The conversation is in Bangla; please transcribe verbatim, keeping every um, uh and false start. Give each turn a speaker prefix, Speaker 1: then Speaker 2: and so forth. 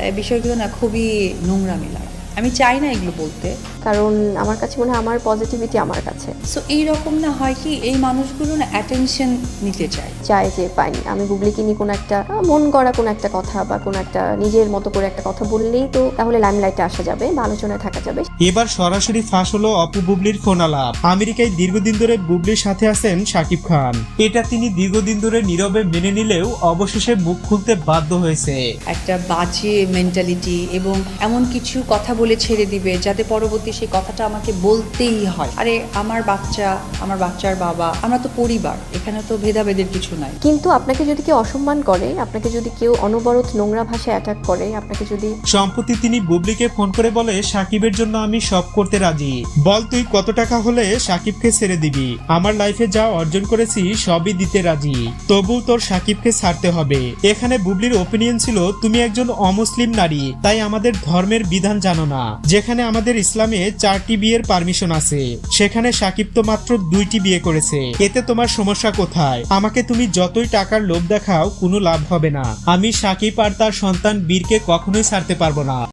Speaker 1: বিষয়গুলো না খুবই নোংরামি লাগে। আমি চাই না এগুলো বলতে,
Speaker 2: কারণ আমার কাছে মনে হয় আমার পজিটিভিটি আমার কাছে।
Speaker 1: সো এইরকম না হয় কি এই মানুষগুলো না অ্যাটেনশন নিতে চায়
Speaker 2: চাই যে পাইনি আমি গুগলিকে নিয়ে কোনো একটা মন গড়া কোনো একটা কথা বা কোনো একটা নিজের মতো করে একটা কথা বললেই তো তাহলে লাইমলাইটে আসা যাবে বা আলোচনায় থাকা যাবে।
Speaker 3: এবার সরাসরি ফাঁস হলো অপু বুবলির ফোন আলাপ। আমেরিকায় দীর্ঘদিন ধরে বুবলির সাথে আছেন শাকিব খান। এটা তিনি দীর্ঘদিন ধরে নীরবে মেনে নিলেও অবশেষে মুখ খুলতে বাধ্য হয়েছে।
Speaker 1: একটা বাজে মেন্টালিটি এবং এমন কিছু কথা বলে ছেড়ে দিবে যাতে পরবর্তী সেই কথাটা আমাকে বলতেই হয়। আরে আমার বাচ্চা, আমার বাচ্চার বাবা, আমরা তো পরিবার, এখানে তো ভেদাভেদের কিছু নাই।
Speaker 2: কিন্তু আপনাকে যদি কেউ অসম্মান করে, আপনাকে যদি কেউ অনবরত নোংরা ভাষায় অ্যাটাক করে, আপনাকে যদি
Speaker 3: সম্প্রতি তিনি বুবলিকে ফোন করে বলে সাকিবের জন্য আমি সব করতে রাজি, বল তুই কত টাকা হলে সাকিবকে ছেড়ে দিবি, আমার লাইফে যা অর্জন করেছি সবই দিতে রাজি, তবু তোর সাকিবকে ছাড়তে হবে। এখানে বুবলির ওপিনিয়ন ছিল তুমি একজন অমুসলিম নারী, তাই আমাদের ধর্মের বিধান জানো না, যেখানে আমাদের ইসলামে চারটি বিয়ের পারমিশন আছে, সেখানে সাকিব তো মাত্র দুইটি বিয়ে করেছে, এতে তোমার সমস্যা কোথায়? আমাকে তুমি যতই টাকার লোভ দেখাও কোনো লাভ হবে না, আমি সাকিব আর তার সন্তান বীরকে কখনোই ছাড়তে পারবো না।